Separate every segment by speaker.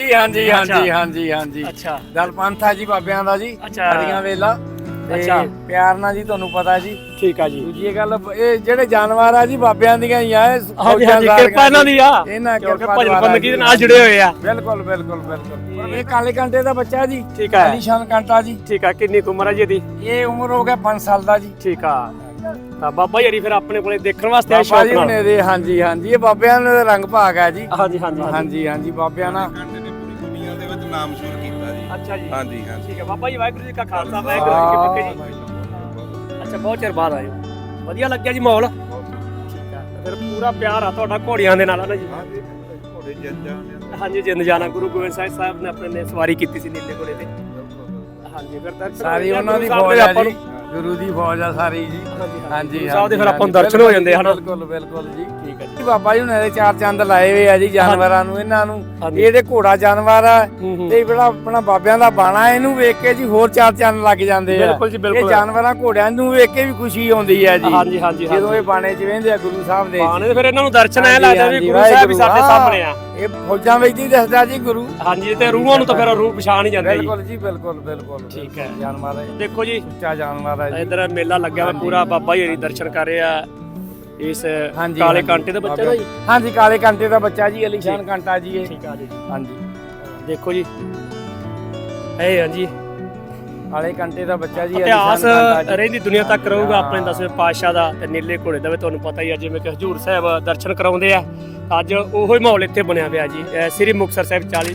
Speaker 1: हाँ जी हाँ जी हाँ जी हाँ जी।
Speaker 2: अच्छा
Speaker 1: दल पंथ है जी बाबियां दा जी।
Speaker 2: अच्छा
Speaker 1: हरियां वेला
Speaker 2: अच्छा
Speaker 1: प्यार ना जी ਤੁਹਾਨੂੰ ਪਤਾ ਜੀ।
Speaker 2: ठीक है जी।
Speaker 1: ਦੂਜੀ ਗੱਲ ਇਹ ਜਿਹੜੇ ਜਾਨਵਰ ਆ ਜੀ ਬਾਬਿਆਂ ਦੀਆਂ ਹੀ ਆ।
Speaker 2: हाँ जी हाँ जी किरपा इन्हां दी आ
Speaker 1: ਇਹਨਾਂ
Speaker 2: क्योंकि
Speaker 1: ਕਿਰਪਾ
Speaker 2: भजन
Speaker 1: द्वारा
Speaker 2: बंदगी
Speaker 1: जी,
Speaker 2: दे नाल जुड़े हुए आ।
Speaker 1: ਬਿਲਕੁਲ ਬਿਲकुल ਬਿਲकुल। ਇਹ ਕਾਲੇ ਕੰਟੇ ਦਾ ਬੱਚਾ ਜੀ।
Speaker 2: ठीक है
Speaker 1: ਅਲੀਸ਼ਾਨ ਕੰਟਾ ਜੀ।
Speaker 2: ठीक है कितनी उम्र है जी ਇਹਦੀ?
Speaker 1: ਇਹ ਉਮਰ ਹੋ ਗਿਆ 5 ਸਾਲ ਦਾ ਜੀ।
Speaker 2: ठीक आ ਤਾਂ ਬਾਬਾ ਜੀ ਫਿਰ ਆਪਣੇ ਕੋਲੇ ਦੇਖਣ ਵਾਸਤੇ ਆਏ
Speaker 1: ਬਾਬਾ
Speaker 2: ਸ਼ੌਕ
Speaker 1: ਜੀ
Speaker 2: ਨਾਲ।
Speaker 1: ਨੇ ਦੇ ਹਾਂਜੀ ਹਾਂਜੀ ਇਹ ਬਾਬਿਆਂ ਦਾ ਰੰਗ ਭਾਗ ਹੈ ਜੀ।
Speaker 2: ਹਾਂਜੀ ਹਾਂਜੀ
Speaker 1: ਹਾਂਜੀ ਹਾਂਜੀ ਬਾਬਿਆਂ ਨਾਲ
Speaker 3: ਕੰਡੇ ਨੇ ਪੂਰੀ ਦੁਨੀਆ ਦੇ ਵਿੱਚ ਨਾਮ ਸ਼ੁਰੂ ਕੀਤਾ ਜੀ।
Speaker 2: ਅੱਛਾ ਜੀ
Speaker 3: ਹਾਂਜੀ ਹਾਂਜੀ
Speaker 2: ਠੀਕ ਹੈ ਬਾਬਾ ਜੀ ਵਾਹਿਗੁਰੂ ਜੀ ਕਾ ਖਾਲਸਾ ਵਾਹਿਗੁਰੂ ਜੀ ਕੀ ਫਤਿਹ ਜੀ। ਅੱਛਾ ਬਹੁਤ ਚਿਰ ਬਾਅਦ ਆਏ ਹੋ, ਵਧੀਆ ਲੱਗਿਆ ਜੀ ਮਾਹੌਲ। ਠੀਕ ਹੈ ਫਿਰ ਪੂਰਾ ਪਿਆਰ ਆ ਤੁਹਾਡਾ ਘੋੜੀਆਂ ਦੇ ਨਾਲ ਹੈ ਨਾ ਜੀ?
Speaker 3: ਹਾਂਜੀ ਘੋੜੇ ਜੱਜਾਂ ਨੇ
Speaker 2: ਹਾਂਜੀ ਜਿੰਦ ਜਾਣਾ ਗੁਰੂ ਗੋਬਿੰਦ ਸਾਹਿਬ ਨੇ ਆਪਣੇ ਨੇ ਸਵਾਰੀ ਕੀਤੀ ਸੀ ਨੀਲੇ ਘੋੜੇ ਤੇ। ਹਾਂਜੀ ਫਿਰ ਦਰਸ਼ਨ
Speaker 1: ਸਾਰੀ ਉਹਨਾਂ ਦੀ
Speaker 2: ਗੁਰੂ
Speaker 1: ਫੌਜ
Speaker 2: ਸਾਹਿਬ
Speaker 1: ਆ
Speaker 2: ਦੇ
Speaker 1: ਜੀ। ਗੁਰੂ ਦੀ ਫੌਜ ਆ ਸਾਰੀ ਜੀ। ਹਾਂਜੀ
Speaker 2: ਸਾਹਿਬ ਦੇ ਫਿਰ ਆਪਾਂ ਨੂੰ ਦਰਸ਼ਨ ਹੋ ਜਾਂਦੇ ਹਨ।
Speaker 1: ਬਿਲਕੁਲ ਬਿਲਕੁਲ ਜੀ।
Speaker 2: ਠੀਕ ਹੈ ਜੀ।
Speaker 1: ਬਾਬਾ ਜੀ ਹੁਣਾਂ ਦੇ ਚਾਰ ਚੰਦ ਲਾਏ ਹੋਏ ਆ ਜੀ ਜਾਨਵਰਾਂ ਨੂੰ ਇਹਨਾਂ ਨੂੰ।
Speaker 2: ਹਾਂਜੀ।
Speaker 1: ਇਹਦੇ ਘੋੜਾ ਜਾਨਵਰ ਆ
Speaker 2: ਹੂੰ
Speaker 1: ਤੇ ਜਿਹੜਾ ਆਪਣਾ ਬਾਬਿਆਂ ਦਾ ਬਾਣਾ ਇਹਨੂੰ ਵੇਖ ਕੇ ਜੀ ਹੋਰ ਚਾਰ ਚੰਦ ਲੱਗ ਜਾਂਦੇ ਆ।
Speaker 2: ਬਿਲਕੁਲ ਜੀ
Speaker 1: ਇਹ
Speaker 2: ਬਿਲਕੁਲ।
Speaker 1: ਜਾਨਵਰਾਂ ਘੋੜਿਆਂ ਨੂੰ ਵੇਖ ਕੇ ਵੀ ਖੁਸ਼ੀ ਆਉਂਦੀ ਹੈ ਜੀ।
Speaker 2: ਹਾਂਜੀ ਹਾਂਜੀ
Speaker 1: ਜਦੋਂ ਇਹ ਬਾਣੇ 'ਚ ਵਹਿੰਦੇ ਆ ਗੁਰੂ ਸਾਹਿਬ ਦੇ।
Speaker 2: ਬਾਣੇ ਤੇ ਫਿਰ ਇਹਨਾਂ ਨੂੰ ਦਰਸ਼ਨ ਐ
Speaker 1: ਹਾਂਜੀ,
Speaker 2: ਲੱਗਦਾ ਵੀ
Speaker 1: ਹਾਂਜੀ,
Speaker 2: ਗੁਰੂ ਸਾਹਿਬ ਵੀ ਸਾਡੇ
Speaker 1: ਵਾਹਿਗੁਰੂ,
Speaker 2: ਸਾਹਮਣੇ ਆ।
Speaker 1: ਇਹ ਫੌਜਾਂ ਵਿੱਚ ਹੀ ਦੱਸਦਾ ਜੀ ਗੁਰੂ।
Speaker 2: ਹਾਂਜੀ ਤੇ ਰੂਹਾਂ ਨੂੰ ਤਾਂ ਫਿਰ ਰੂਹ ਪਛਾਣ ਹੀ ਜਾਂਦੇ ਜੀ।
Speaker 1: ਬਿਲਕੁਲ ਜੀ ਬਿਲਕੁਲ ਬਿਲਕੁਲ।
Speaker 2: ਠੀਕ ਹੈ।
Speaker 1: ਜਾਨਵਰ ਹੈ
Speaker 2: ਦੇਖੋ ਜੀ
Speaker 1: ਉੱਚਾ ਜਾਨਵਰ ਹੈ ਜੀ।
Speaker 2: ਇਧਰ ਮੇਲਾ ਲੱਗਿਆ ਹੋਇਆ ਪੂਰਾ ਬਾਬਾ ਜੀ ਹਰੀ ਦਰਸ਼ਨ ਕਰ ਰਹੇ ਆ ਇਸ
Speaker 1: ਹਾਂਜੀ,
Speaker 2: ਕਾਲੇ
Speaker 1: ਹਾਂਜੀ।
Speaker 2: ਕਾਂਟੇ ਦਾ ਬੱਚਾ ਦਾ ਜੀ।
Speaker 1: ਹਾਂਜੀ ਕਾਲੇ ਕੰਟੇ ਦਾ ਬੱਚਾ ਜੀ ਅਲੀਸ਼ਾਨ ਕੰਟਾ ਜੀ ਇਹ।
Speaker 2: ਠੀਕ ਆ ਜੀ
Speaker 1: ਹਾਂਜੀ
Speaker 2: ਦੇਖੋ ਜੀ ਇਹ ਹਾਂਜੀ
Speaker 1: ਕਾਲੇ ਕੰਟੇ ਦਾ ਬੱਚਾ ਜੀ
Speaker 2: ਇਤਿਹਾਸ
Speaker 1: ਅਲੀਸ਼ਾਨ ਕੰਟਾ ਜੀ।
Speaker 2: ਰਹਿੰਦੀ ਦੁਨੀਆ ਤੱਕ ਰਹੂਗਾ ਆਪਣੇ 10ਵੇਂ ਪਾਤਸ਼ਾਹ ਦਾ ਤੇ ਨੀਲੇ ਘੋੜੇ ਦਾ ਵੀ ਤੁਹਾਨੂੰ ਪਤਾ ਹੀ ਆ। ਜਿਵੇਂ ਕਿ ਹਜੂਰ ਸਾਹਿਬ ਦਰਸ਼ਨ ਕਰਾਉਂਦੇ ਆ ਅੱਜ ਉਹੋ ਹੀ ਮਾਹੌਲ ਇੱਥੇ ਬਣਿਆ ਪਿਆ ਜੀ ਸ੍ਰੀ ਮੁਕਤਸਰ ਸਾਹਿਬ 40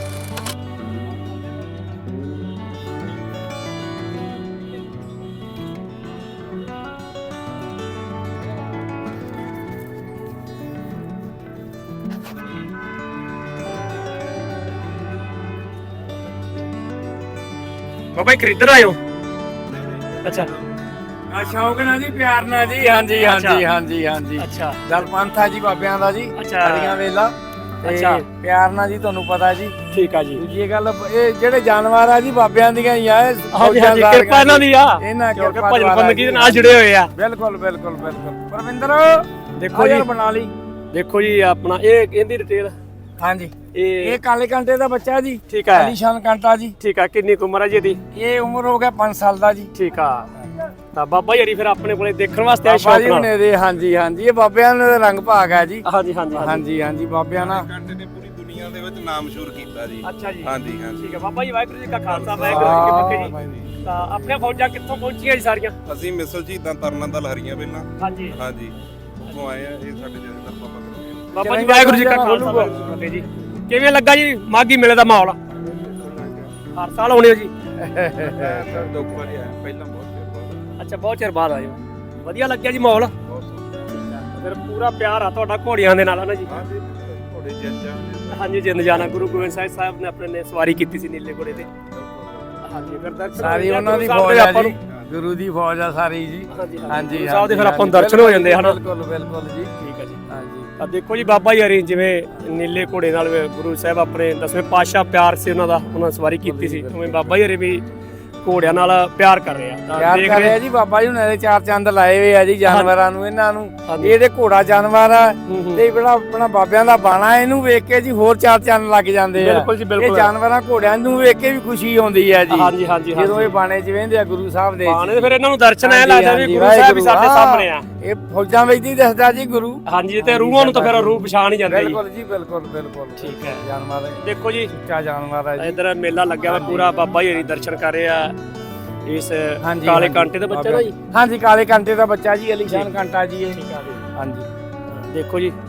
Speaker 2: ਬਾਬਾ ਜੀ ਖਰੀਦਣ ਆਇਓ? ਅੱਛਾ
Speaker 1: ਆ ਸ਼ੌਕ ਨਾਲ ਜੀ ਪਿਆਰ ਨਾਲ ਜੀ। ਹਾਂਜੀ ਹਾਂਜੀ ਹਾਂਜੀ ਹਾਂਜੀ।
Speaker 2: ਅੱਛਾ
Speaker 1: ਦਲ ਪੰਥ ਹੈ ਜੀ ਬਾਬਿਆਂ ਦਾ ਜੀ।
Speaker 2: ਅੱਛਾ।
Speaker 1: ਹਰੀਆਂ ਵੇਲਾ
Speaker 2: ਅੱਛਾ।
Speaker 1: ਪਿਆਰ ਨਾਲ ਜੀ ਤੁਹਾਨੂੰ ਪਤਾ ਜੀ।
Speaker 2: ਠੀਕ ਆ ਜੀ।
Speaker 1: ਦੂਜੀ ਗੱਲ ਇਹ ਜਿਹੜੇ ਜਾਨਵਰ ਆ ਜੀ ਬਾਬਿਆਂ ਦੀਆਂ ਹੀ ਆ।
Speaker 2: ਹਾਂਜੀ ਹਾਂਜੀ ਕਿਰਪਾ ਇਹਨਾਂ ਦੀ ਆ
Speaker 1: ਇਹਨਾਂ
Speaker 2: ਕਿਉਂਕਿ
Speaker 1: ਕਿਰਪਾ
Speaker 2: ਭਜਨ
Speaker 1: ਦੁਆਰਾ
Speaker 2: ਬੰਦਗੀ ਦੇ
Speaker 1: ਜੀ।
Speaker 2: ਨਾਲ ਜੁੜੇ ਹੋਏ ਆ।
Speaker 1: ਬਿਲਕੁਲ ਬਿਲकुल ਬਿਲकुल। ਪਰਵਿੰਦਰ
Speaker 2: ਦੇਖੋ
Speaker 1: ਯਾਰ
Speaker 2: ਜੀ
Speaker 1: ਬਣਾ ਲਈ।
Speaker 2: ਦੇਖੋ ਜੀ ਆਪਣਾ ਇਹ ਇਹਦੀ ਡਿਟੇਲ
Speaker 1: ਹਾਂਜੀ
Speaker 2: ਇਹ
Speaker 1: ਇਹ ਕਾਲੇ ਕੰਟੇ ਦਾ ਬੱਚਾ ਜੀ।
Speaker 2: ਠੀਕ ਹੈ
Speaker 1: ਅਲੀਸ਼ਾਨ ਕੰਟਾ ਜੀ।
Speaker 2: ਠੀਕ ਆ ਕਿੰਨੀ ਕੁ ਉਮਰ ਹੈ ਜੀ ਇਹਦੀ?
Speaker 1: ਇਹ ਉਮਰ ਹੋ ਗਿਆ 5 ਸਾਲ ਦਾ ਜੀ।
Speaker 2: ਠੀਕ ਆ ਤਾਂ ਬਾਬਾ ਜੀ ਫਿਰ ਆਪਣੇ ਕੋਲੇ ਦੇਖਣ ਵਾਸਤੇ ਆਏ
Speaker 1: ਬਾਬਾ
Speaker 2: ਸ਼ੌਕ
Speaker 1: ਜੀ
Speaker 2: ਨਾਲ।
Speaker 1: ਨੇ ਦੇ ਹਾਂਜੀ ਹਾਂਜੀ ਇਹ ਬਾਬਿਆਂ ਦਾ ਰੰਗ ਭਾਗ ਹੈ ਜੀ।
Speaker 2: ਹਾਂਜੀ ਹਾਂਜੀ
Speaker 1: ਹਾਂਜੀ ਹਾਂਜੀ ਬਾਬਿਆਂ ਨਾਲ
Speaker 3: ਕੰਡੇ ਨੇ ਪੂਰੀ ਦੁਨੀਆ ਦੇ ਵਿੱਚ ਨਾਮ ਸ਼ੁਰੂ ਕੀਤਾ ਜੀ।
Speaker 2: ਅੱਛਾ ਜੀ
Speaker 3: ਹਾਂਜੀ ਹਾਂਜੀ
Speaker 2: ਠੀਕ ਹੈ ਬਾਬਾ ਜੀ ਵਾਹਿਗੁਰੂ ਜੀ ਕਾ ਖਾਲਸਾ ਵਾਹਿਗੁਰੂ ਜੀ ਕੀ ਫਤਿਹ ਜੀ। ਤਾਂ ਆਪਣੀਆਂ ਫੌਜਾਂ ਕਿੱਥੋਂ ਪਹੁੰਚੀਆਂ ਜੀ ਸਾਰੀਆਂ?
Speaker 3: ਅਸੀਂ ਮਿਸਲ ਸ਼ਹੀਦਾਂ ਤਰਨਾ ਦਲ ਹਰੀਆਂ ਵੇਲਾ
Speaker 2: ਹਾਂਜੀ
Speaker 3: ਹਾਂਜੀ ਉੱਥੋਂ ਆਏ ਆ। ਇਹ ਸਾਡੇ ਜਥੇਦਾਰ ਬਾਬਾ ਕਰੋਗੇ।
Speaker 2: ਬਾਬਾ ਜੀ ਵਾਹਿਗੁਰੂ ਜੀ ਕਾ ਖਾਲਸਾ ਵਾਹਿਗੁਰੂ ਜੀ ਕੀ ਫਤਿਹ ਜੀ। ਕਿਵੇਂ ਲੱਗਾ ਜੀ ਮਾਘੀ ਮੇਲੇ ਦਾ ਮਾਹੌਲ? ਹਰ ਸਾਲ ਆਉਣੇ ਹੋ ਜੀ?
Speaker 3: ਸਰ ਦੋ ਵਾਰੀ ਆਇਆ ਪਹਿਲਾਂ ਬਹੁਤ ਚਿਰ ਬਾਅਦ।
Speaker 2: ਅੱਛਾ ਬਹੁਤ ਚਿਰ ਬਾਅਦ ਆਏ ਹੋ, ਵਧੀਆ ਲੱਗਿਆ ਜੀ ਮਾਹੌਲ। ਫਿਰ ਪੂਰਾ ਪਿਆਰ ਆ ਤੁਹਾਡਾ ਘੋੜੀਆਂ ਦੇ ਨਾਲ ਹੈ ਨਾ ਜੀ?
Speaker 3: ਹਾਂਜੀ ਘੋੜੇ ਜੱਜਾਂ ਨੇ
Speaker 2: ਹਾਂਜੀ ਜਿੰਦ ਜਾਣਾ ਗੁਰੂ ਗੋਬਿੰਦ ਸਾਹਿਬ ਨੇ ਆਪਣੇ ਨੇ ਸਵਾਰੀ ਕੀਤੀ ਸੀ ਨੀਲੇ ਘੋੜੇ ਤੇ। ਹਾਂਜੀ ਫਿਰ ਦਰਸ਼ਨ
Speaker 1: ਸਾਰੀ ਉਹਨਾਂ ਦੀ
Speaker 2: ਗੁਰੂ ਸਾਹਿਬ
Speaker 1: ਫੌਜ
Speaker 2: ਦੇ
Speaker 1: ਆ
Speaker 2: ਆਪਾਂ
Speaker 1: ਜੀ।
Speaker 2: ਨੂੰ।
Speaker 1: ਗੁਰੂ ਦੀ ਫੌਜ ਆ ਸਾਰੀ ਜੀ।
Speaker 2: ਹਾਂਜੀ
Speaker 1: ਹਾਂਜੀ
Speaker 2: ਗੁਰੂ ਸਾਹਿਬ ਦੇ ਫਿਰ ਆਪਾਂ ਨੂੰ ਦਰਸ਼ਨ ਹੋ ਜਾਂਦੇ ਹਨ।
Speaker 1: ਬਿਲਕੁਲ ਬਿਲकुल ਜੀ।
Speaker 2: ਠੀਕ ਹੈ ਜੀ।
Speaker 1: ਹਾਂਜੀ
Speaker 2: ਆ ਦੇਖੋ ਜੀ ਬਾਬਾ ਜੀ ਹਰੀ ਜਿਵੇਂ ਨੀਲੇ ਘੋੜੇ ਨਾਲ ਗੁਰੂ ਸਾਹਿਬ ਆਪਣੇ 10ਵੇਂ ਪਾਤਸ਼ਾਹ ਪਿਆਰ ਸੀ ਉਹਨਾਂ ਦਾ, ਉਹਨਾਂ ਸਵਾਰੀ ਕੀਤੀ ਸੀ, ਉਵੇਂ ਬਾਬਾ ਜੀ ਹਰੀ ਵੀ ਘੋੜਿਆਂ ਨਾਲ ਪਿਆਰ ਕਰ ਰਹੇ ਆ। ਤਾਂ
Speaker 1: ਪਿਆਰ
Speaker 2: ਦੇਖ
Speaker 1: ਕਰ
Speaker 2: ਰਹੇ
Speaker 1: ਰਿਹਾ ਜੀ ਬਾਬਾ ਜੀ ਹੁਣਾਂ ਦੇ ਚਾਰ ਚੰਦ ਲਾਏ ਹੋਏ ਆ ਜੀ ਜਾਨਵਰਾਂ ਨੂੰ ਇਹਨਾਂ ਨੂੰ।
Speaker 2: ਹਾਂਜੀ।
Speaker 1: ਇਹਦੇ ਘੋੜਾ ਜਾਨਵਰ ਆ
Speaker 2: ਹੂੰ।
Speaker 1: ਤੇ ਜਿਹੜਾ ਆਪਣਾ ਬਾਬਿਆਂ ਦਾ ਬਾਣਾ ਇਹਨੂੰ ਵੇਖ ਕੇ ਜੀ ਹੋਰ ਚਾਰ ਚੰਦ ਲੱਗ ਜਾਂਦੇ ਆ।
Speaker 2: ਬਿਲਕੁਲ ਜੀ
Speaker 1: ਇਹ
Speaker 2: ਬਿਲਕੁਲ।
Speaker 1: ਜਾਨਵਰਾਂ ਘੋੜਿਆਂ ਨੂੰ ਵੇਖ ਕੇ ਵੀ ਖੁਸ਼ੀ ਆਉਂਦੀ ਹੈ ਜੀ।
Speaker 2: ਹਾਂਜੀ ਹਾਂਜੀ
Speaker 1: ਜਦੋਂ ਇਹ ਬਾਣੇ 'ਚ ਵਹਿੰਦੇ ਆ ਗੁਰੂ ਸਾਹਿਬ ਦੇ।
Speaker 2: ਬਾਣੇ ਤੇ ਫਿਰ ਇਹਨਾਂ ਨੂੰ ਦਰਸ਼ਨ ਐ
Speaker 1: ਹਾਂਜੀ,
Speaker 2: ਲੱਗਦਾ ਵੀ
Speaker 1: ਹਾਂਜੀ,
Speaker 2: ਗੁਰੂ ਸਾਹਿਬ ਵੀ ਸਾਡੇ
Speaker 1: ਵਾਹਿਗੁਰੂ,
Speaker 2: ਸਾਹਮਣੇ ਆ।
Speaker 1: ਇਹ ਫੌਜਾਂ ਵਿੱਚ ਹੀ ਦੱਸਦਾ ਜੀ ਗੁਰੂ।
Speaker 2: ਹਾਂਜੀ ਤੇ ਰੂਹਾਂ ਨੂੰ ਤਾਂ ਫਿਰ ਰੂਹ ਪਛਾਣ ਹੀ ਜਾਂਦੇ ਜੀ।
Speaker 1: ਬਿਲਕੁਲ ਜੀ ਬਿਲकुल ਬਿਲकुल।
Speaker 2: ਠੀਕ ਹੈ।
Speaker 1: ਜਾਨਵਰ ਹੈ
Speaker 2: ਦੇਖੋ ਜੀ
Speaker 1: ਉੱਚਾ ਜਾਨਵਰ ਹੈ ਜੀ।
Speaker 2: ਇਧਰ ਮੇਲਾ ਲੱਗਿਆ ਹੋਇਆ ਪੂਰਾ ਬਾਬਾ ਜੀ ਹਰੀ ਦਰਸ਼ਨ ਕਰ ਰਹੇ ਆ ਇਸ
Speaker 1: ਹਾਂਜੀ,
Speaker 2: ਕਾਲੇ
Speaker 1: ਹਾਂਜੀ।
Speaker 2: ਕਾਂਟੇ ਦਾ ਬੱਚਾ ਦਾ ਜੀ।
Speaker 1: ਹਾਂਜੀ ਕਾਲੇ ਕੰਟੇ ਦਾ ਬੱਚਾ ਜੀ ਅਲੀਸ਼ਾਨ ਕੰਟਾ ਜੀ ਇਹ।
Speaker 2: ਠੀਕ ਆ ਜੀ
Speaker 1: ਹਾਂਜੀ
Speaker 2: ਦੇਖੋ ਜੀ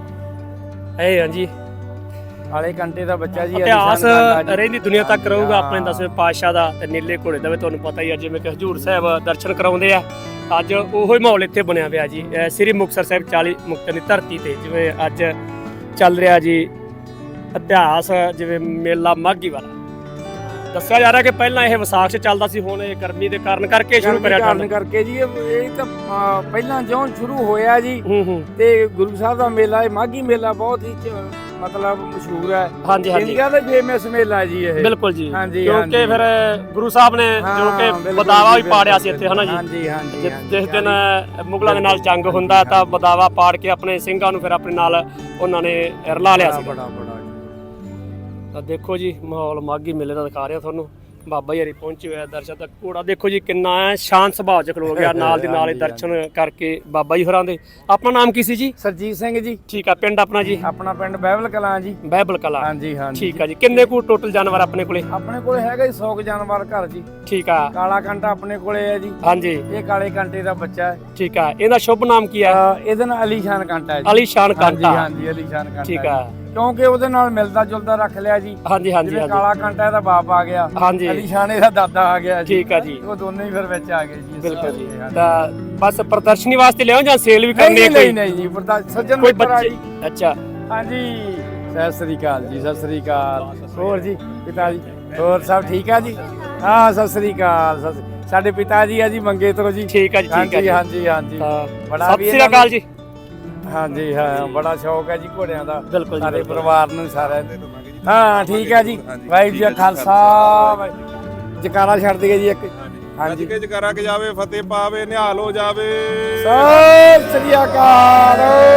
Speaker 2: ਇਹ ਹਾਂਜੀ
Speaker 1: ਕਾਲੇ ਕੰਟੇ ਦਾ ਬੱਚਾ ਜੀ
Speaker 2: ਇਤਿਹਾਸ
Speaker 1: ਅਲੀਸ਼ਾਨ ਕੰਟਾ ਜੀ।
Speaker 2: ਰਹਿੰਦੀ ਦੁਨੀਆ ਤੱਕ ਰਹੂਗਾ ਆਪਣੇ 10ਵੇਂ ਪਾਤਸ਼ਾਹ ਦਾ ਤੇ ਨੀਲੇ ਘੋੜੇ ਦਾ ਵੀ ਤੁਹਾਨੂੰ ਪਤਾ ਹੀ ਆ। ਜਿਵੇਂ ਕਿ ਹਜੂਰ ਸਾਹਿਬ ਦਰਸ਼ਨ ਕਰਾਉਂਦੇ ਆ ਅੱਜ ਉਹੋ ਹੀ ਮਾਹੌਲ ਇੱਥੇ ਬਣਿਆ ਪਿਆ ਜੀ ਸ੍ਰੀ ਮੁਕਤਸਰ ਸਾਹਿਬ 40 ਮੁਕਤਿਆਂ ਦੀ ਧਰਤੀ ਤੇ। ਜਿਵੇਂ ਅੱਜ ਚੱਲ ਰਿਹਾ ਜੀ ਇਤਿਹਾਸ ਜਿਵੇਂ ਮੇਲਾ ਮਾਘੀ ਵਾਲਾ ਦੱਸਿਆ ਜਾ ਰਿਹਾ ਕਿ ਪਹਿਲਾਂ ਇਹ ਵਿਸਾਖ 'ਚ ਚੱਲਦਾ ਸੀ, ਹੁਣ ਇਹ ਗਰਮੀ ਦੇ ਕਾਰਨ ਕਰਕੇ ਸ਼ੁਰੂ ਕਰਿਆ
Speaker 1: ਕਾਰਨ ਕਰਕੇ ਜੀ ਇਹ ਤਾਂ ਪਹਿਲਾਂ ਜਿਉਂ ਸ਼ੁਰੂ ਹੋਇਆ ਜੀ
Speaker 2: ਹੂੰ
Speaker 1: ਤੇ ਗੁਰੂ ਸਾਹਿਬ ਦਾ ਮੇਲਾ ਇਹ ਮਾਘੀ ਮੇਲਾ ਬਹੁਤ ਹੀ ਮਤਲਬ ਮਸ਼ਹੂਰ ਹੈ।
Speaker 2: ਹਾਂਜੀ ਹਾਂਜੀ
Speaker 1: ਇੰਡੀਆ ਦਾ ਫੇਮਸ ਮੇਲਾ ਜੀ ਇਹ।
Speaker 2: ਬਿਲਕੁਲ ਜੀ
Speaker 1: ਹਾਂਜੀ,
Speaker 2: ਕਿਉਂਕਿ
Speaker 1: ਹਾਂਜੀ।
Speaker 2: ਫਿਰ ਗੁਰੂ ਸਾਹਿਬ ਨੇ ਜੋ ਕਿ
Speaker 1: ਬਿਲਕੁਲ
Speaker 2: ਬਦਾਵਾ ਵੀ
Speaker 1: ਜੀ,
Speaker 2: ਪਾੜਿਆ ਸੀ ਇੱਥੇ ਹਨਾ ਜੀ।
Speaker 1: ਹਾਂਜੀ ਹਾਂਜੀ
Speaker 2: ਜਿਸ ਦਿਨ ਮੁਗਲਾਂ ਦੇ ਨਾਲ ਜੰਗ ਹੁੰਦਾ ਤਾਂ ਬਦਾਵਾ ਪਾੜ ਕੇ ਆਪਣੇ ਸਿੰਘਾਂ ਨੂੰ ਫਿਰ ਆਪਣੇ ਨਾਲ ਉਹਨਾਂ ਨੇ ਰਲਾ ਲਿਆ ਸੀ।
Speaker 1: ਬੜਾ ਬੜਾ
Speaker 2: ਤਾਂ ਦੇਖੋ ਜੀ ਮਾਹੌਲ ਮਾਘੀ ਮੇਲੇ ਦਾ ਦਿਖਾ ਰਿਹਾ ਤੁਹਾਨੂੰ। ਬਾਬਾ ਜੀ ਹਰੀ ਪਹੁੰਚੇ ਹੋਇਆ ਦਰਸ਼ਨ ਤੱਕ। ਘੋੜਾ ਦੇਖੋ ਜੀ ਕਿੰਨਾ ਹੈ ਸ਼ਾਂਤ ਸੁਭਾਅ ਚ ਖਲੋ ਗਿਆ, ਨਾਲ ਦੀ ਨਾਲ ਹੀ ਦਰਸ਼ਨ ਕਰਕੇ ਬਾਬਾ ਜੀ ਹੋਰਾਂ ਦੇ। ਆਪਣਾ ਨਾਮ ਕੀ ਸੀ ਜੀ?
Speaker 1: ਸਰਜੀਤ ਸਿੰਘ ਜੀ।
Speaker 2: ਠੀਕ ਆ, ਪਿੰਡ ਆਪਣਾ ਜੀ?
Speaker 1: ਆਪਣਾ ਪਿੰਡ ਬਹਿਬਲ ਕਲਾਂ ਜੀ।
Speaker 2: ਬਹਿਬਲ ਕਲਾਂ।
Speaker 1: ਹਾਂਜੀ ਹਾਂਜੀ।
Speaker 2: ਠੀਕ ਆ ਜੀ। ਕਿੰਨੇ ਕੁ ਟੋਟਲ ਜਾਨਵਰ ਆਪਣੇ ਕੋਲੇ?
Speaker 1: ਆਪਣੇ ਕੋਲੇ ਹੈਗਾ ਜੀ 100 ਜਾਨਵਰ ਘਰ ਜੀ।
Speaker 2: ਠੀਕ ਆ।
Speaker 1: ਕਾਲਾ ਕੰਟਾ ਆਪਣੇ ਕੋਲੇ ਹੈ ਜੀ।
Speaker 2: ਹਾਂਜੀ।
Speaker 1: ਇਹ ਕਾਲੇ ਕੰਟੇ ਦਾ ਬੱਚਾ ਹੈ।
Speaker 2: ਠੀਕ ਆ। ਇਹਦਾ ਸ਼ੁਭ ਨਾਮ ਕੀ ਹੈ?
Speaker 1: ਇਹਦਾ ਨਾਮ ਅਲੀਸ਼ਾਨ ਕੰਟਾ ਹੈ ਜੀ।
Speaker 2: ਅਲੀਸ਼ਾਨ ਕਾਂਟਾ।
Speaker 1: ਹਾਂਜੀ ਅਲੀਸ਼ਾਨ ਕੰਟਾ।
Speaker 2: ਠੀਕ ਆ।
Speaker 1: ਕਿਉਂਕਿ ਉਹਦੇ ਨਾਲ ਮਿਲਦਾ ਜੁਲਦਾ ਰੱਖ ਲਿਆ ਜੀ।
Speaker 2: ਹਾਂਜੀ ਹਾਂਜੀ
Speaker 1: ਜਿਵੇਂ ਕਾਲਾ ਕੰਟਾ ਇਹਦਾ ਬਾਪ ਆ ਗਿਆ,
Speaker 2: ਹਾਂਜੀ।
Speaker 1: ਅਲੀਸ਼ਾਨ ਇਹਦਾ ਦਾਦਾ ਆ ਗਿਆ ਜੀ।
Speaker 2: ਠੀਕ ਆ ਜੀ।
Speaker 1: ਉਹ ਦੋਨੇ ਹੀ ਫਿਰ ਵਿੱਚ ਆ ਗਏ ਜੀ।
Speaker 2: ਬਿਲਕੁਲ ਜੀ। ਤਾਂ ਬਸ ਪ੍ਰਦਰਸ਼ਨੀ ਵਾਸਤੇ ਲਿਆਓ ਜਾਂ ਸੇਲ ਵੀ ਕਰਨੀ ਹੈ
Speaker 1: ਨਹੀਂ ਨਹੀਂ ਜੀ, ਸੱਜਣ
Speaker 2: ਕੋਈ
Speaker 1: ਮਿੱਤਰ ਆ
Speaker 2: ਬੱਚੇ?
Speaker 1: ਜੀ।
Speaker 2: ਅੱਛਾ।
Speaker 1: ਹਾਂਜੀ ਸਤਿ ਸ੍ਰੀ ਅਕਾਲ ਜੀ। ਸਤਿ ਸ੍ਰੀ ਅਕਾਲ। ਹੋਰ ਜੀ ਪਿਤਾ ਜੀ ਹੋਰ ਸਭ ਠੀਕ ਆ ਜੀ? ਹਾਂ ਸਤਿ ਸ੍ਰੀ ਅਕਾਲ। ਸਾਡੇ ਪਿਤਾ ਜੀ ਆ ਜੀ ਮੰਗੇ ਤੋਂ ਜੀ।
Speaker 2: ਠੀਕ ਆ ਜੀ। ਠੀਕ ਆ ਜੀ।
Speaker 1: ਹਾਂਜੀ ਹਾਂਜੀ। ਬੜਾ
Speaker 2: ਸਤਿ ਸ੍ਰੀ ਅਕਾਲ ਜੀ।
Speaker 1: ਹਾਂਜੀ ਹਾਂ ਬੜਾ ਸ਼ੌਕ ਹੈ ਜੀ ਘੋੜਿਆਂ ਦਾ
Speaker 2: ਬਿਲਕੁਲ ਜੀ,
Speaker 1: ਸਾਰੇ
Speaker 2: ਬਿਲਕੁਲ।
Speaker 1: ਪਰਿਵਾਰ ਨੂੰ ਸਾਰਿਆਂ ਨੂੰ। ਹਾਂ ਠੀਕ ਹੈ ਜੀ। ਵਾਹਿਗੁਰੂ ਜੀ ਕਾ ਖਾਲਸਾ ਜਕਾਰਾ ਛੱਡ ਦਈਏ ਜੀ ਇੱਕ। ਹਾਂਜੀ
Speaker 3: ਕੇ ਜਕਰਾ ਕੇ ਜਾਵੇ, ਫਤਿਹ ਪਾਵੇ, ਨਿਹਾਲ ਹੋ ਜਾਵੇ।
Speaker 1: ਸਤਿ ਸ੍ਰੀ ਅਕਾਲ।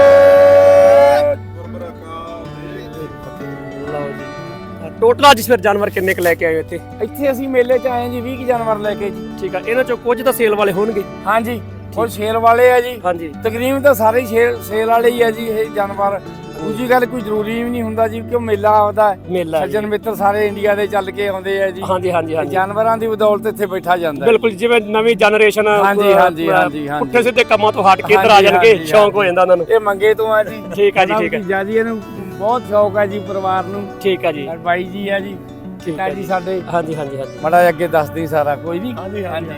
Speaker 2: ਲਓ ਜੀ। ਟੋਟਲ ਅੱਜ ਫਿਰ ਜਾਨਵਰ ਕਿੰਨੇ ਕ ਲੈ ਕੇ ਆਏ ਹੋ ਇੱਥੇ?
Speaker 1: ਇੱਥੇ ਅਸੀਂ ਮੇਲੇ 'ਚ ਆਏ ਜੀ 20 ਜਾਨਵਰ ਲੈ ਕੇ ਜੀ।
Speaker 2: ਠੀਕ ਆ। ਇਹਨਾਂ ਚੋਂ ਕੁਝ ਤਾਂ ਸੇਲ ਵਾਲੇ ਹੋਣਗੇ?
Speaker 1: ਹਾਂਜੀ ਉਹ ਸੇਲ ਵਾਲੇ ਆ ਜੀ।
Speaker 2: ਹਾਂਜੀ।
Speaker 1: ਤਕਰੀਬਨ ਤਾਂ ਸਾਰੇ ਹੀ ਸੇਲ ਵਾਲੇ ਹੀ ਆ ਜੀ ਇਹ ਜਾਨਵਰ। ਦੂਜੀ ਗੱਲ ਕੋਈ ਜ਼ਰੂਰੀ ਵੀ ਨਹੀਂ ਹੁੰਦਾ ਜੀ ਕਿਉਂ ਮੇਲਾ ਆਉਂਦਾ ਹੈ।
Speaker 2: ਮੇਲਾ ਹੈ ਜੀ।
Speaker 1: ਸੱਜਣ ਮਿੱਤਰ ਸਾਰੇ ਇੰਡੀਆ ਦੇ ਚੱਲ ਕੇ ਆਉਂਦੇ ਆ ਜੀ।
Speaker 2: ਹਾਂਜੀ ਹਾਂਜੀ ਹਾਂਜੀ।
Speaker 1: ਜਾਨਵਰਾਂ ਦੀ ਬਦੌਲਤ ਇੱਥੇ ਬੈਠਾ ਜਾਂਦਾ ਹੈ।
Speaker 2: ਬਿਲਕੁਲ, ਜਿਵੇਂ ਨਵੀਂ ਜਨਰੇਸ਼ਨ
Speaker 1: ਹਾਂਜੀ, ਹਾਂਜੀ, ਹਾਂਜੀ, ਹਾਂਜੀ।
Speaker 2: ਪੁੱਠੇ ਸਿੱਧੇ ਕੰਮਾਂ ਤੋਂ ਹਟ ਕੇ ਇੱਧਰ ਆ
Speaker 1: ਹਾਂਜੀ,
Speaker 2: ਜਾਣਗੇ,
Speaker 1: ਹਾਂਜੀ,
Speaker 2: ਸ਼ੌਂਕ ਹੋ ਜਾਂਦਾ ਉਹਨਾਂ ਨੂੰ।
Speaker 1: ਇਹ ਮੰਗੇ ਤੋਂ ਆ ਜੀ।
Speaker 2: ਠੀਕ ਆ ਜੀ। ਠੀਕ ਆ
Speaker 1: ਜੀ। ਇਹਨੂੰ ਬਹੁਤ ਸ਼ੌਕ ਹੈ ਜੀ ਪਰਿਵਾਰ ਨੂੰ।
Speaker 2: ਠੀਕ ਆ ਜੀ।
Speaker 1: ਬਾਈ ਜੀ ਆ ਜੀ।
Speaker 2: ਠੀਕ
Speaker 1: ਆ
Speaker 2: ਆ
Speaker 1: ਜੀ ਸਾਡੇ।
Speaker 2: ਹਾਂਜੀ ਹਾਂਜੀ ਹਾਂਜੀ।
Speaker 1: ਬੜਾ ਅੱਗੇ ਦੱਸਦੀ ਸਾਰਾ ਕੋਈ ਨਹੀਂ। ਹਾਂਜੀ ਹਾਂਜੀ।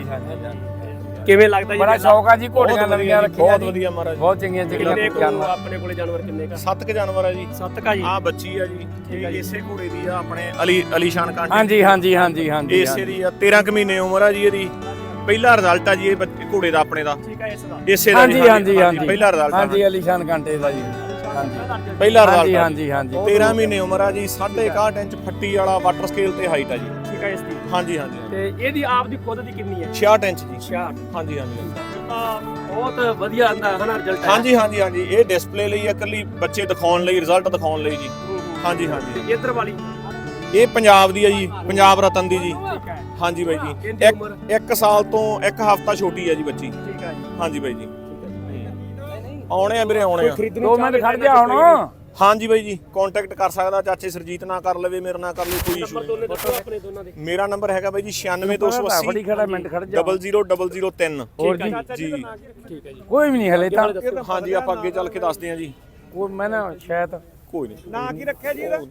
Speaker 2: ਕਿਵੇਂ ਲੱਗਦਾ ਜੀ?
Speaker 1: ਬੜਾ ਸ਼ੌਕ ਆ ਜੀ ਘੋੜੀਆਂ ਨਵੀਆਂ ਰੱਖੀਆਂ
Speaker 3: ਬਹੁਤ
Speaker 1: ਜੀ।
Speaker 3: ਵਧੀਆ ਮਹਾਰਾਜ।
Speaker 1: ਬਹੁਤ ਚੰਗੀਆਂ
Speaker 2: ਕਿੰਨੇ
Speaker 1: ਚੰਗੀਆਂ
Speaker 2: ਕੁ
Speaker 1: ਜਾਨਵਰ।
Speaker 2: ਆਪਣੇ ਕੋਲੇ ਜਾਨਵਰ ਕਿੰਨੇ ਕਾ?
Speaker 3: 7 ਕ ਜਾਨਵਰ ਆ ਜੀ।
Speaker 2: 7 ਕਾ ਜੀ।
Speaker 3: ਆ ਬੱਚੀ ਆ ਜੀ। ਇਹ ਇਸੇ ਘੋੜੇ ਦੀ ਆ ਆਪਣੇ ਅਲੀਸ਼ਾਨ ਕਾਂਟੇ।
Speaker 1: ਹਾਂਜੀ ਹਾਂਜੀ ਹਾਂਜੀ ਹਾਂਜੀ।
Speaker 3: ਇਸੇ ਦੀ ਆ 13 ਕ ਮਹੀਨੇ ਉਮਰ ਆ ਜੀ ਇਹਦੀ। ਪਹਿਲਾ ਰਿਜ਼ਲਟ ਆ ਜੀ ਇਹ ਘੋੜੇ ਦਾ ਆਪਣੇ ਦਾ।
Speaker 2: ਠੀਕ ਆ। ਇਸ ਦਾ
Speaker 3: ਇਸੇ ਦਾ
Speaker 1: ਹਾਂਜੀ ਹਾਂਜੀ ਹਾਂਜੀ।
Speaker 3: ਪਹਿਲਾ ਰਿਜ਼ਲਟ ਆ।
Speaker 1: ਹਾਂਜੀ ਅਲੀਸ਼ਾਨ ਕੰਟੇ ਦਾ ਜੀ। ਹਾਂਜੀ
Speaker 3: ਪਹਿਲਾ ਰਿਜ਼ਲਟ
Speaker 1: ਹਾਂਜੀ
Speaker 3: ਆ।
Speaker 1: ਹਾਂਜੀ ਹਾਂਜੀ।
Speaker 3: 13 ਮਹੀਨੇ ਉਮਰ ਆ ਜੀ। 61 ਇੰਚ ਫੱਟੀ ਵਾਲਾ ਵਾਟਰ ਸਕੇਲ ਤੇ ਹਾਈਟ ਆ ਜੀ।
Speaker 2: ਠੀਕ ਆ। ਇਸ ਦੀ
Speaker 3: ਹਾਂਜੀ ਹਾਂਜੀ।
Speaker 2: ਤੇ ਇਹਦੀ ਆਪ ਦੀ ਖੁਦ ਦੀ ਕਿੰਨੀ ਹੈ?
Speaker 3: 66 ਇੰਚ ਜੀ।
Speaker 2: 66।
Speaker 3: ਹਾਂਜੀ ਹਾਂਜੀ।
Speaker 2: ਬਹੁਤ ਵਧੀਆ ਆਂਦਾ ਹਨਾ ਰਿਜ਼ਲਟ ਹੈ।
Speaker 3: ਹਾਂਜੀ ਹਾਂਜੀ ਹਾਂਜੀ। ਇਹ ਡਿਸਪਲੇ ਲਈ ਆ, ਇਕੱਲੀ ਬੱਚੇ ਦਿਖਾਉਣ ਲਈ, ਰਿਜ਼ਲਟ ਦਿਖਾਉਣ ਲਈ ਜੀ। ਹਾਂਜੀ ਹਾਂਜੀ।
Speaker 2: ਤੇ ਇੱਧਰ ਵਾਲੀ
Speaker 3: ਇਹ ਪੰਜਾਬ ਦੀ ਆ ਜੀ, ਪੰਜਾਬ ਰਤਨ ਦੀ ਜੀ।
Speaker 2: ਠੀਕ ਹੈ।
Speaker 3: ਹਾਂਜੀ ਬਾਈ ਜੀ।
Speaker 2: ਇਹਦੀ ਉਮਰ?
Speaker 3: 1 ਸਾਲ ਤੋਂ 1 ਹਫ਼ਤਾ ਛੋਟੀ ਆ ਜੀ ਬੱਚੀ।
Speaker 2: ਠੀਕ ਹੈ ਜੀ।
Speaker 3: ਹਾਂਜੀ ਬਾਈ ਜੀ। ਆਉਣੇ ਆ ਵੀਰੇ, ਆਉਣੇ ਆ।
Speaker 1: 2 ਮਿੰਟ ਖੜ ਜਾ ਹੁਣ।
Speaker 3: ਹਾਂਜੀ ਬਾਈ ਜੀ। ਕੰਟੈਕਟ ਕਰ ਸਕਦਾ, ਚਾਚੇ ਸਰਜੀਤ ਨਾਲ ਕਰ ਲਵੇ, ਮੇਰੇ ਨਾਲ ਕਰ ਲਵੇ, ਕੋਈ ਇਸ਼ੂ
Speaker 2: ਨੰਬਰ ਦੋਨੇ ਦੱਸੋ ਆਪਣੇ ਦੋਨਾਂ ਦੇ।
Speaker 3: ਮੇਰਾ ਨੰਬਰ ਹੈਗਾ ਬਾਈ ਜੀ 96280
Speaker 1: ਫੜੀ ਖੜਾ ਮਿੰਟ ਖੜ ਜਾ।
Speaker 3: 00003।
Speaker 1: ਹੋਰ ਜੀ
Speaker 3: ਜੀ।
Speaker 2: ਠੀਕ ਹੈ ਜੀ।
Speaker 1: ਕੋਈ ਵੀ ਨਹੀਂ ਹਲੇ ਤਾਂ।
Speaker 3: ਹਾਂਜੀ ਆਪਾਂ ਅੱਗੇ ਚੱਲ ਕੇ ਦੱਸਦੇ ਹਾਂ ਜੀ।
Speaker 1: ਕੋਈ ਮੈਂ ਨਾ ਸ਼ਾਇਦ
Speaker 3: ਕੋਈ ਨਹੀਂ।
Speaker 2: ਨਾਂ ਕੀ ਰੱਖਿਆ ਜੀ ਇਹਦਾ?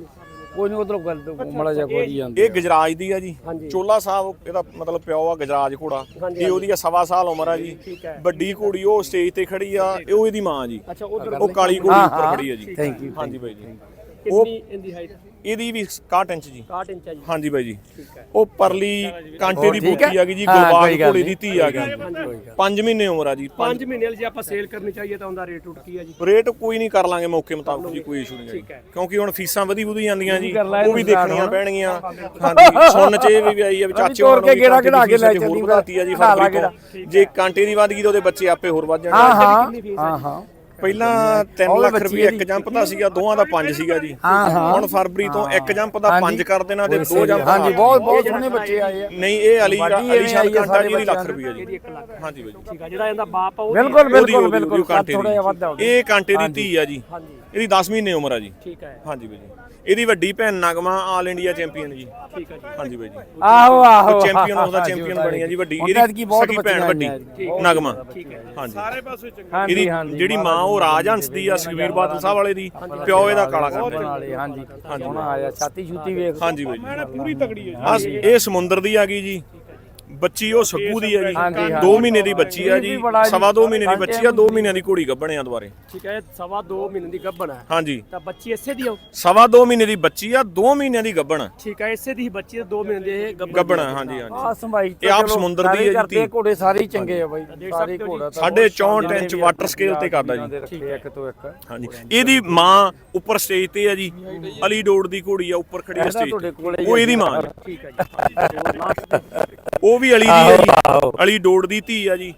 Speaker 1: ਕੋਈ ਨਹੀਂ ਉਧਰੋਂ ਗੱਲ ਮੜਾ ਜਾ ਕੋਈ ਜਾਂਦੀ।
Speaker 3: ਇਹ ਗਜਰਾਜ ਦੀ ਆ ਜੀ।
Speaker 2: ਹਾਂਜੀ।
Speaker 3: ਚੋਲਾ ਸਾਹਿਬ ਇਹਦਾ ਮਤਲਬ ਪਿਓ ਆ ਗਜਰਾਜ ਘੋੜਾ।
Speaker 2: ਹਾਂਜੀ,
Speaker 3: ਇਹ ਉਹਦੀ ਆ 1.25 ਸਾਲ ਉਮਰ ਆ ਜੀ।
Speaker 2: ਠੀਕ ਹੈ।
Speaker 3: ਵੱਡੀ ਘੋੜੀ ਉਹ ਸਟੇਜ ਤੇ ਖੜੀ ਆ, ਇਹ ਉਹ ਇਹਦੀ ਮਾਂ ਜੀ।
Speaker 2: ਅੱਛਾ ਉਧਰ
Speaker 3: ਉਹ ਕਾਲੀ ਘੋੜੀ ਉੱਪਰ ਖੜੀ ਆ ਜੀ।
Speaker 1: Thank you.
Speaker 3: ਹਾਂਜੀ ਬਾਈ ਜੀ।
Speaker 2: ਕਿੰਨੀ ਇਹਦੀ ਹਾਈਟ?
Speaker 3: ਇਹਦੀ ਵੀ 61 ਇੰਚ ਜੀ।
Speaker 2: 61 ਇੰਚ ਹੈ ਜੀ।
Speaker 3: ਹਾਂਜੀ ਬਾਈ ਜੀ।
Speaker 2: ਠੀਕ ਹੈ।
Speaker 3: ਉਹ ਪਰਲੀ ਕਾਂਟੇ ਦੀ
Speaker 1: ਠੀਕ ਹੈ।
Speaker 3: ਬੋਤੀ ਆ ਗਈ ਜੀ,
Speaker 1: ਹਾਂ,
Speaker 3: ਗੁਰਬਾਗ
Speaker 1: ਕੋਈ ਗੱਲ
Speaker 3: ਘੋੜੇ ਦੀ
Speaker 1: ਨਹੀਂ।
Speaker 3: ਧੀ ਆ ਗਈ। 5 ਮਹੀਨੇ ਉਮਰ ਆ ਜੀ।
Speaker 2: 5 ਮਹੀਨੇ ਵਾਲੀ ਜੇ ਆਪਾਂ ਸੇਲ ਕਰਨੀ ਚਾਹੀਏ ਤਾਂ ਉਹਦਾ ਰੇਟ ਉੱਟ ਕੀ ਹੈ ਜੀ?
Speaker 3: ਰੇਟ ਕੋਈ ਨਹੀਂ, ਕਰ ਲਾਂਗੇ ਮੌਕੇ ਮੁਤਾਬਕ ਜੀ, ਕੋਈ ਇਸ਼ੂ ਨਹੀਂ
Speaker 2: ਠੀਕ ਹੈ।
Speaker 3: ਹੈ। ਕਿਉਂਕਿ ਹੁਣ ਫੀਸਾਂ ਵਧੀ ਜਾਂਦੀਆਂ ਜੀ,
Speaker 1: ਕਰ ਲਾ
Speaker 3: ਉਹ ਵੀ
Speaker 1: ਇਹਨੂੰ
Speaker 3: ਦੇਖਣੀਆਂ
Speaker 1: ਹੁਣ।
Speaker 3: ਪੈਣਗੀਆਂ। ਹਾਂਜੀ ਸੁਣਨ ਚ ਇਹ ਵੀ ਆਈ ਆ ਵੀ ਚਾਚੇ
Speaker 1: ਤੋੜ ਕੇ ਗੇੜਾ ਕਢਾ ਕੇ ਲੈ
Speaker 3: ਹੋਰ
Speaker 1: ਚੱਲੀ
Speaker 3: ਵਧਾਤੀ ਆ ਜੀ
Speaker 1: ਖਾ ਲਾ
Speaker 3: ਫਰਵਰੀ ਤੋਂ। ਜੇ ਕਾਂਟੇ ਦੀ ਵਧ ਗਈ ਤਾਂ ਉਹਦੇ ਬੱਚੇ ਆਪੇ ਹੋਰ ਵੱਧ
Speaker 1: ਹਾਂ
Speaker 3: ਜਾਣਗੇ।
Speaker 1: ਹਾਂ ਹਾਂ।
Speaker 3: ਪਹਿਲਾਂ 3 ਲੱਖ ਰੁਪਏ ਇੱਕ ਜੰਪ ਦਾ ਸੀਗਾ, ਦੋਵਾਂ ਦਾ 5 ਸੀਗਾ ਜੀ। ਹੁਣ ਫਰਵਰੀ ਤੋਂ ਇੱਕ ਜੰਪ ਦਾ 5 ਕਰ ਦੇਣਾ ਤੇ 2 ਜੰਪ ਦਾ।
Speaker 1: ਹਾਂਜੀ ਬਹੁਤ ਬਹੁਤ ਸੋਹਣੇ ਬੱਚੇ ਆਏ ਆ।
Speaker 3: ਨਹੀਂ ਇਹ ਅਲੀਸ਼ਾਨ ਕਾਂਟਾ ਜੀ ਦੀ ਲੱਖ ਰੁਪਏ ਜੀ।
Speaker 2: ਇਹਦੀ 1 ਲੱਖ।
Speaker 3: ਹਾਂਜੀ ਬਾਈ।
Speaker 2: ਠੀਕ ਆ। ਜਿਹੜਾ ਇਹਦਾ ਬਾਪ ਆ ਉਹ
Speaker 1: ਬਿਲਕੁਲ ਬਿਲਕੁਲ ਬਿਲਕੁਲ
Speaker 3: ਕਾਂਟੇ
Speaker 1: ਥੋੜਾ ਜਿਹਾ ਵੱਧ
Speaker 3: ਦੀ। ਇਹ ਕਾਂਟੇ ਦੀ ਧੀ ਆ ਜੀ।
Speaker 2: ਹਾਂਜੀ।
Speaker 3: ਇਹਦੀ 10 ਮਹੀਨੇ ਉਮਰ ਆ ਜੀ।
Speaker 2: ਠੀਕ ਹੈ।
Speaker 3: ਹਾਂਜੀ ਬਾਈ ਜੀ। ਇਹਦੀ ਵੱਡੀ ਭੈਣ ਨਗਮਾ ਆਲ ਇੰਡੀਆ ਚੈਂਪੀਅਨ ਜੀ।
Speaker 2: ਠੀਕ ਹੈ ਜੀ।
Speaker 3: ਹਾਂਜੀ ਬਾਈ ਜੀ।
Speaker 1: ਆਹੋ ਆਹੋ
Speaker 3: ਚੈਂਪੀਅਨ ਉਹਦਾ ਚੈਂਪੀਅਨ ਬਣੀ ਆ ਜੀ ਵੱਡੀ। ਇਹਦੀ ਸਕੀ ਭੈਣ ਵੱਡੀ ਨਗਮਾ।
Speaker 2: ਠੀਕ ਹੈ।
Speaker 3: ਹਾਂਜੀ।
Speaker 2: ਸਾਰੇ ਪਾਸੇ
Speaker 3: ਇਹਦੀ ਜਿਹੜੀ ਮਾਂ ਉਹ ਰਾਜਹੰਸ ਦੀ ਆ, ਸੁਖਬੀਰ ਬਾਦਲ ਸਾਹਿਬ ਵਾਲੇ ਦੀ। ਪਿਓ ਇਹਦਾ ਕਾਲਾ ਕਰਦਾ।
Speaker 1: ਵਾਲੇ ਹਾਂਜੀ ਸੋਹਣਾ ਆਇਆ। ਛਾਤੀ ਛੂਤੀ ਵੇਖ।
Speaker 3: ਹਾਂਜੀ ਬਾਈ ਜੀ। ਪੂਰੀ ਤਗੜੀ ਹੈ ਜੀ। ਇਹ ਸਮੁੰਦਰ ਦੀ ਆ ਗਈ ਜੀ ਬੱਚੀ, ਉਹ ਸੱਗੂ ਦੀ ਆ ਜੀ। 2 ਮਹੀਨੇ ਦੀ ਬੱਚੀ ਆ ਜੀ। 2.25 ਮਹੀਨੇ ਦੀ ਬੱਚੀ ਆ, 2 ਮਹੀਨਿਆਂ ਦੀ ਘੋੜੀ ਗੱਭਣ ਆ ਦੁਬਾਰੇ।
Speaker 2: ਠੀਕ ਹੈ। 2.5 ਮਹੀਨੇ ਦੀ ਗੱਭਣ ਹੈ।
Speaker 3: ਹਾਂਜੀ।
Speaker 2: ਤਾਂ ਬੱਚੀ ਇਸੇ ਦੀ ਆ?
Speaker 3: 2.25 ਮਹੀਨੇ ਦੀ ਬੱਚੀ ਆ, 2 ਮਹੀਨਿਆਂ ਦੀ ਗੱਭਣ।
Speaker 2: ਠੀਕ ਹੈ। ਇਸੇ ਦੀ ਹੀ ਬੱਚੀ 2 ਮਹੀਨੇ ਦੀ ਇਹ
Speaker 3: ਗੱਭਣ। ਹਾਂਜੀ ਹਾਂਜੀ।
Speaker 1: ਆ ਸੰਭਾਈ
Speaker 3: ਇਹ ਆਪ ਸਮੁੰਦਰ ਦੀ ਹੈ ਜੀ।
Speaker 1: ਘੋੜੇ ਸਾਰੇ ਹੀ ਚੰਗੇ ਆ ਬਾਈ, ਸਾਰੇ ਘੋੜਾ
Speaker 3: 64 ਇੰਚ ਵਾਟਰ ਸਕੇਲ ਤੇ ਕਰਦਾ ਜੀ।
Speaker 1: ਠੀਕ ਹੈ। ਇੱਕ ਤੋਂ ਇੱਕ।
Speaker 3: ਹਾਂਜੀ। ਇਹਦੀ ਮਾਂ ਉੱਪਰ ਸਟੇਜ ਤੇ ਆ ਜੀ। ਅਲੀ ਡੋੜ ਦੀ ਘੋੜੀ ਆ, ਉੱਪਰ ਖੜੀ ਆ ਸਟੇਜ ਤੇ। ਉਹ ਇਹਦੀ ਮਾਂ ਜੀ।
Speaker 2: ਠੀਕ ਹੈ ਜੀ।
Speaker 3: ਉਹ ਵੀ ਅਲੀ ਦੀ ਆ ਜੀ। ਅਲੀ ਡੋੜ ਦੀ ਧੀ ਆ ਜੀ।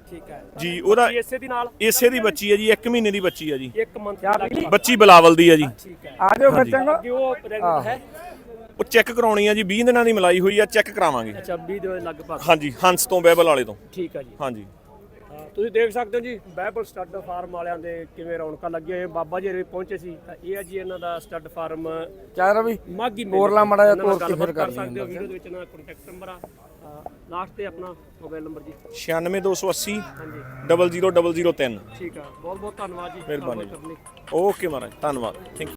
Speaker 2: ਠੀਕ ਹੈ
Speaker 3: ਜੀ ਉਹਦਾ
Speaker 2: ਇਸੇ ਦੀ ਨਾਲ
Speaker 3: ਇਸੇ ਦੀ ਬੱਚੀ ਹੈ ਜੀ 1 ਮਹੀਨੇ ਦੀ ਬੱਚੀ ਹੈ ਜੀ
Speaker 2: 1 ਮੰਥ ਲੱਗੀ
Speaker 3: ਬੱਚੀ ਬਿਲਾਵਲ ਦੀ ਹੈ ਜੀ
Speaker 2: ਠੀਕ ਹੈ
Speaker 1: ਆ ਜਾਓ ਬੱਚਿਆਂ ਕੋ
Speaker 2: ਅੱਗੇ ਉਹ ਪ੍ਰੈਗਨੈਂਟ ਹੈ
Speaker 3: ਉਹ ਚੈੱਕ ਕਰਾਉਣੀ ਆ ਜੀ 20 ਦਿਨਾਂ ਦੀ ਮਲਾਈ ਹੋਈ ਆ ਚੈੱਕ ਕਰਾਵਾਂਗੇ
Speaker 2: ਅੱਛਾ 20 ਦੇ ਲਗਭਗ
Speaker 3: ਹਾਂਜੀ ਹੰਸ ਤੋਂ ਬਹਿਬਲ ਵਾਲੇ ਤੋਂ
Speaker 2: ਠੀਕ ਹੈ ਜੀ
Speaker 3: ਹਾਂਜੀ
Speaker 2: ਤੁਸੀਂ ਦੇਖ ਸਕਦੇ ਹੋ ਜੀ ਬਾਈਬਲ ਸਟੱਡ ਫਾਰਮ ਵਾਲਿਆਂ ਦੇ ਕਿਵੇਂ ਰੌਣਕਾਂ ਲੱਗੀਆਂ ਹੋਈਆਂ ਬਾਬਾ ਜੀ ਵੀ ਪਹੁੰਚੇ ਸੀ ਤਾਂ ਇਹ ਹੈ ਜੀ ਇਹਨਾਂ ਦਾ ਸਟੱਡ ਫਾਰਮ
Speaker 1: ਚਾਹ ਵੀ
Speaker 2: ਮਾਗੀ
Speaker 1: ਬੋਰਲਾ ਮਾੜਾ ਜਿਹਾ ਤੋੜ ਕੇ
Speaker 2: ਗੱਲਬਾਤ
Speaker 1: ਫਿਰ
Speaker 2: ਕਰ
Speaker 1: ਕਰ
Speaker 2: ਸਕਦੇ ਹੋ ਵੀਡੀਓ ਦੇ ਵਿੱਚ ਨਾ ਕੰਟੈਕਟ ਨੰਬਰ ਆ ਲਾਸਟ ਤੇ ਆਪਣਾ ਮੋਬਾਈਲ ਨੰਬਰ ਜੀ
Speaker 3: 96280
Speaker 2: ਹਾਂਜੀ
Speaker 3: 00003
Speaker 2: ਠੀਕ ਆ ਬਹੁਤ ਬਹੁਤ ਧੰਨਵਾਦ ਜੀ
Speaker 3: ਮਿਹਰਬਾਨੀ।
Speaker 2: ਗੱਲਬਾਤ ਕਰਨ ਲਈ।
Speaker 3: ਓਕੇ ਮਹਾਰਾਜ ਧੰਨਵਾਦ ਥੈਂਕ